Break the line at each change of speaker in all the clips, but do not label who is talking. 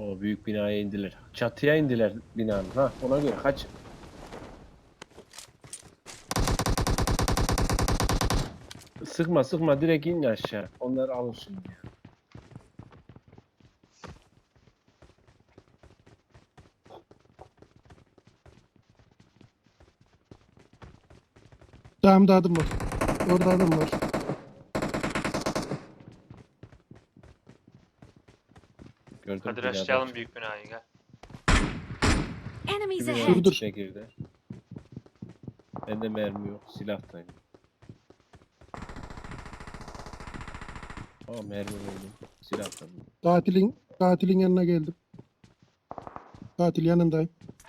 O büyük binaya indiler. Çatıya indiler binanın. Ha, ona göre kaç. Sıkma sıkma, direkt in aşağı. Onları alır şimdi ya.
Sağımda adım var. Orada adam var.
Gördüm,
Hadi
binada.
rushlayalım büyük binayı gel.
Enemies
Bir
ahead.
binanın
Dur.
içine girdi. Bende mermi yok. Silahtayım. Aa, mermi buldum. Silahtayım.
Katilin yanına geldim. Katil yanındayım.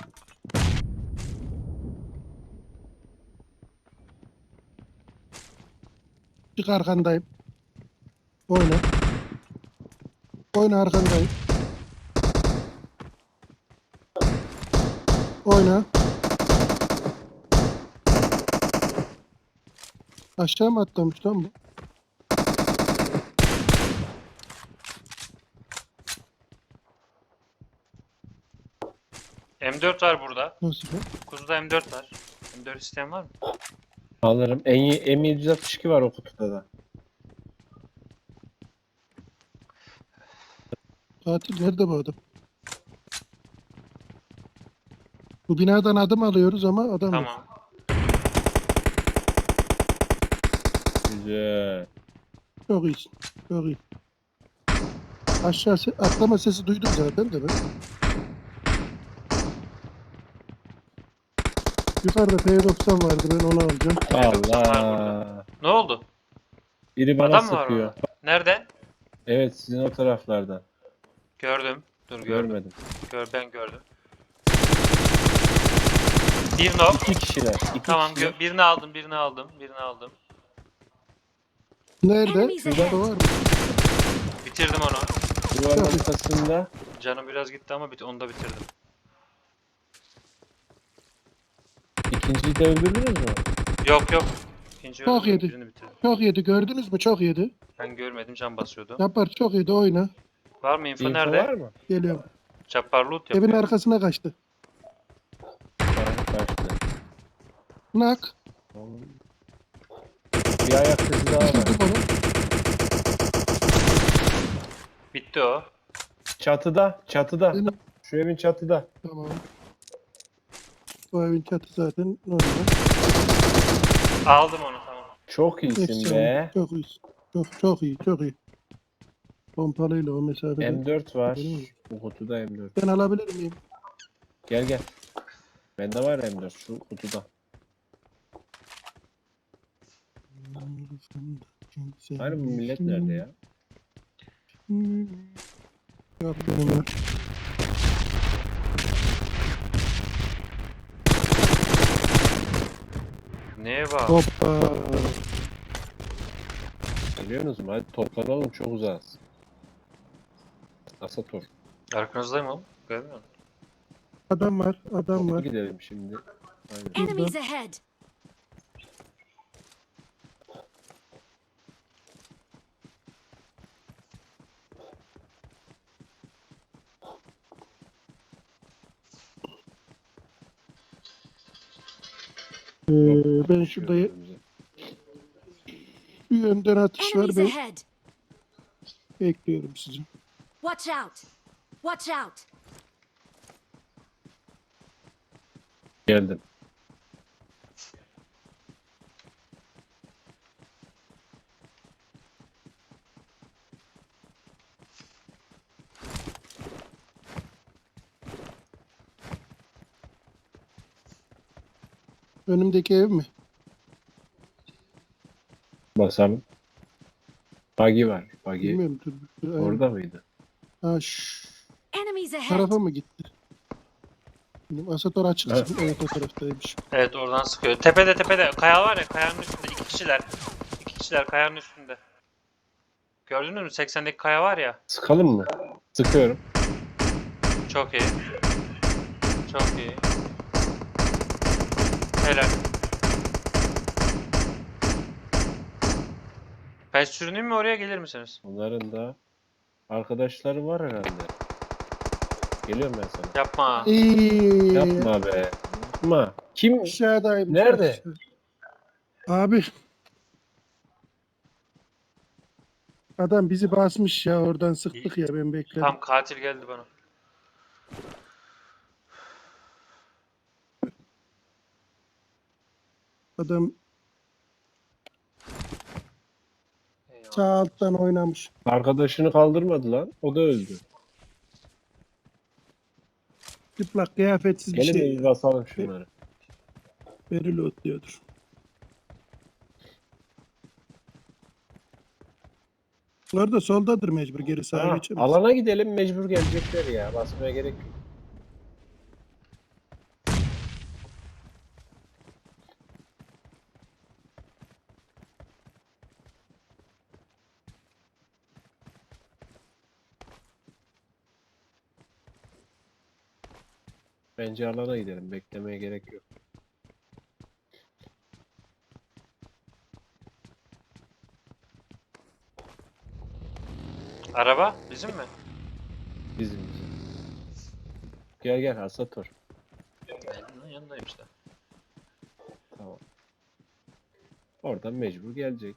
Çık arkandayım. Oyna. Oyna arkandayım. Oyna. Aşağı mı atlamış lan bu?
M4 var burada.
Nasıl bu?
Kuzuda M4 var. M4 isteyen var mı?
Alırım. M762 var o kutuda da.
Katil nerede bu adam? Bu binadan adım alıyoruz ama adam yok.
Tamam.
Güzel.
Çok iyisin. Çok iyi. Aşağı atlama sesi duydum zaten de ben. Yukarıda P90 vardı, ben onu alacağım.
Allah.
Ne oldu?
Biri bana
Adam mı var
sıkıyor.
orada? Nereden?
Evet, sizin o taraflardan.
Gördüm. Dur gördüm.
Görmedim.
Ben gördüm. Bir knock.
İki kişiler.
Tamam
Kişiler.
birini aldım. Birini aldım.
Nerede?
Enemies
Şurada
ahead.
var mı?
Bitirdim onu.
Duvarın ortasında.
Canım biraz gitti ama onu da bitirdim.
İkinciyi de öldürdünüz mü?
Yok. İkinci
Çok
öldüm,
yedi.
birini bitirdim.
Çok yedi, gördünüz mü? Çok yedi.
Ben görmedim, can basıyordu.
Yapar, çok yedi, oyna.
Var mı info,
İnfo
nerede?
var mı?
Geliyorum.
Çapar loot
Evin
yapıyor.
arkasına kaçtı.
Kaçtı.
Nak.
Bir ayak sesi daha var.
Düşürdüm onu.
Bitti o.
Çatıda.
Benim.
Şu evin çatıda.
Tamam. Bu evin çatı zaten normal.
Aldım onu, tamam.
Çok iyisin
Efsane.
be.
Çok iyisin. Çok iyi, çok iyi. Pompalıyla o mesafede.
M4 var.
Benim mi?
Bu kutuda M4.
Ben alabilir miyim?
Gel. Bende var M4 şu kutuda. Hani bu millet nerede ya?
Yok, benim var.
Neye bak?
Hoppa.
Biliyorsunuz mu? Hadi toplanalım, çok uzağız. Asator.
Arkanızdayım oğlum. Görmüyor musun?
Adam var.
Toplu gidelim şimdi. Aynen.
Enemies ahead.
Ben şurada bir yönden atış var.
Enemies
Ben
ahead.
bekliyorum sizi.
Watch out. Watch out.
Geldim.
Önümdeki ev mi?
Basalım. Buggy var. Buggy
Bilmiyorum. Dur.
orada mıydı?
Ha,
Enemies ahead.
tarafa mı gitti? Benim Asator açık.
Evet.
Evet, o taraftaymış.
Evet, oradan sıkıyor. Tepede. Kaya var ya, kayanın üstünde. İki kişiler kayanın üstünde. Gördünüz mü? 80'deki kaya var ya.
Sıkalım mı? Sıkıyorum.
Çok iyi. Çok iyi. Helal. Ben sürüneyim mi, oraya gelir misiniz?
Onların da arkadaşları var herhalde. Geliyorum ben sana.
Yapma.
Yapma be. Yapma. Kim?
Aşağıdayım.
Nerede?
Abi. Adam bizi basmış ya, oradan sıktık ya, ben bekledim.
Tam katil geldi bana.
Adam
Eyvallah.
sağ alttan oynamış.
Arkadaşını kaldırmadı lan. O da öldü.
Çıplak kıyafetsiz bir
Gelin
şey.
bir basalım şunları.
Beril otluyordur. Bunlar da soldadır mecbur, geri sağa
Ha,
geçemez.
alana gidelim, mecbur gelecekler ya. Basmaya gerek yok. Bence alana gidelim. Beklemeye gerek yok.
Araba bizim mi?
Bizim. Gel gel Asator.
Ben yanındayım işte.
Tamam. Oradan mecbur gelecek.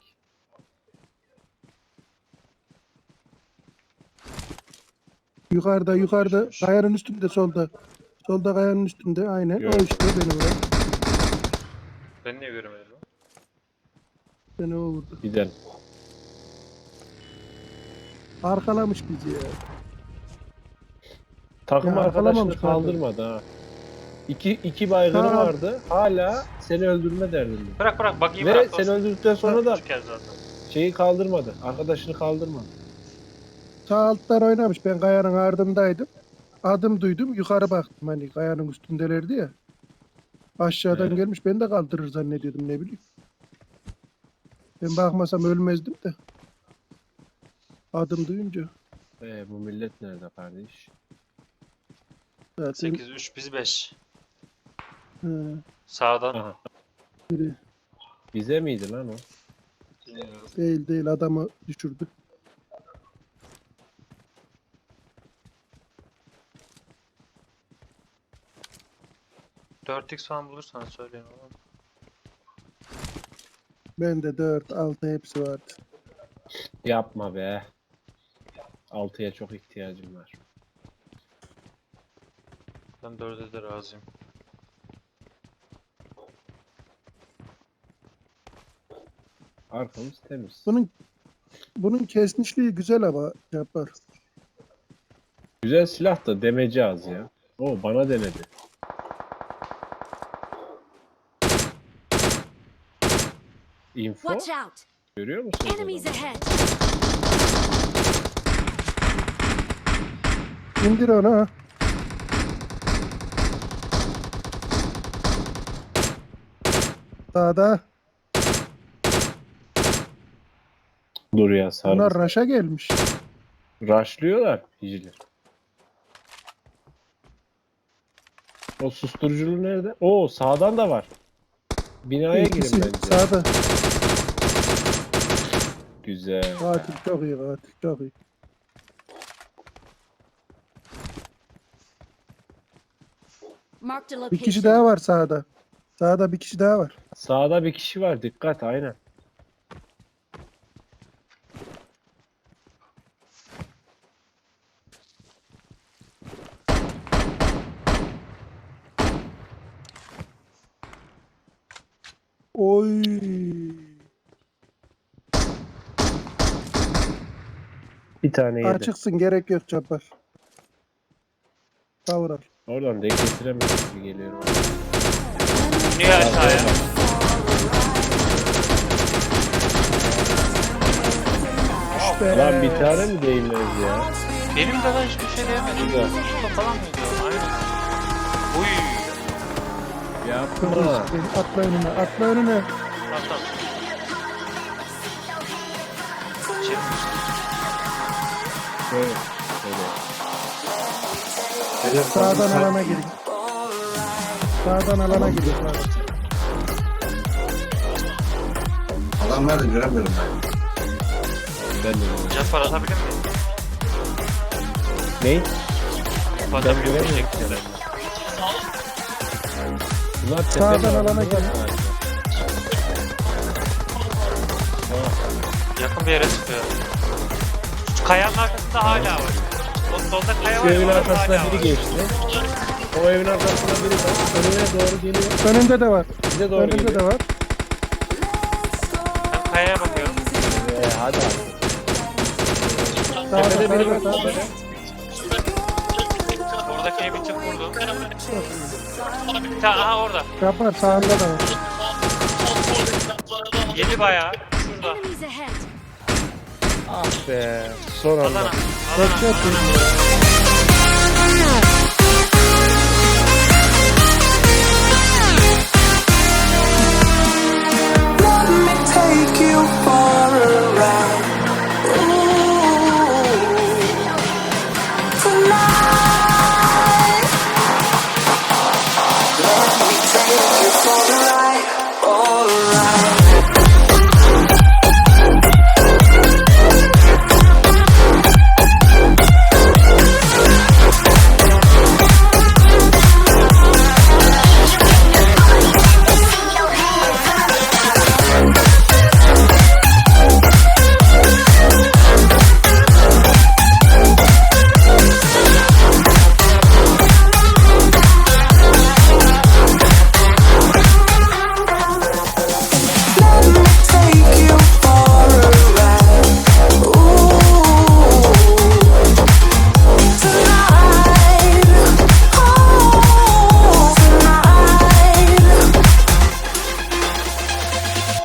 Yukarıda kayanın üstünde, solda. Solda kayanın üstünde, aynen.
Gördüm.
O işte beni vuran.
Ben niye göremedim lan?
Beni o vurdu.
Gidelim.
Arkalamış bizi ya.
Takım
Ya,
arkadaşını
arkalamamış
kaldırmadı ha. İki baygını
Ha.
vardı. Hala seni öldürme derdinde.
Bırak bakayım
Ve
bırak.
seni öldürdükten sonra da
Çıkar zaten.
şeyi kaldırmadı. Arkadaşını kaldırmadı.
Sağ alttan oynamış. Ben kayanın ardındaydım. Adım duydum. Yukarı baktım. Hani kayanın üstündelerdi ya. Aşağıdan
Evet.
gelmiş. Ben de kaldırır zannediyordum, ne bileyim. Ben bakmasam ölmezdim de. Adım duyunca.
Bu millet nerede kardeş?
Zaten
8-3 biz 5.
he,
Sağdan.
Aha.
biri
Bize miydi lan o?
değil adamı düşürdü.
Dört x falan bulursan söyleyin oğlum.
Bende 4, 6 hepsi vardı.
Yapma be. 6'ya çok ihtiyacım var.
Ben 4'e de razıyım.
Arkamız temiz.
Bunun kesmişliği güzel ama yapar.
Güzel silah da demeci az ya. O bana denedi. Info
Watch out!
görüyor musunuz?
Enemies
adamı?
ahead!
İndir onu ha. Sağda.
Dur ya
Bunlar
sarı.
raşa gelmiş.
Rushlıyorlar hiciler. O susturuculu nerede? Oo sağdan da var. Binaya
İkisi
girin bence.
sağda.
Güzel.
Katil çok iyi, katil çok iyi.
Marked a
Bir kişi
location.
daha var sağda. Sağda bir kişi daha var.
Sağda bir kişi var. Dikkat aynen.
Oy.
Bir tane yedi.
Açıksın, gerek yok Cabbar. Kavral.
Oradan denk getiremez gibi geliyor.
Niye aşağıya?
Lan bir tane mi değmez ya?
Benim de lan hiçbir şey diyemedim.
Güzel.
Şurada falan mıydı? Aynen. Uy.
Yapma.
Atla önüne, atla önüne.
Tamam tamam. Şey,
Şöyle. Şöyle.
Sağdan alana girin. Sağdan alana girin.
Adam nerede göremiyorum ben.
Ben de.
Cappar atabilir miyim?
Ne?
Fazla
Ben
bir
göremiyorum.
şekilde.
Bunlar
Sağdan
tepenin
alana
altında
gelin.
galiba.
Yakın bir yere çıkıyor. Şu kayanın arkasında hala var. O solda kaya
Şu
var ya,
evin
orada
arkasına
hala
biri
var.
geçti. O evin arkasında biri var. Önüne doğru geliyor.
Önünde de var.
Bize doğru
Önünde
geliyor.
de var.
Ben kayaya bakıyorum.
Hadi abi.
Sağda
Tepede biri var.
sağda sağda.
Tepede.
Oradaki evi çık vurdum. Aha orada.
Yapar sağında da var.
Yedi bayağı. Şurada.
Enemies ahead.
Ah be. Son anda.
Alana.
Çok
Alana.
çok iyi.
Alana.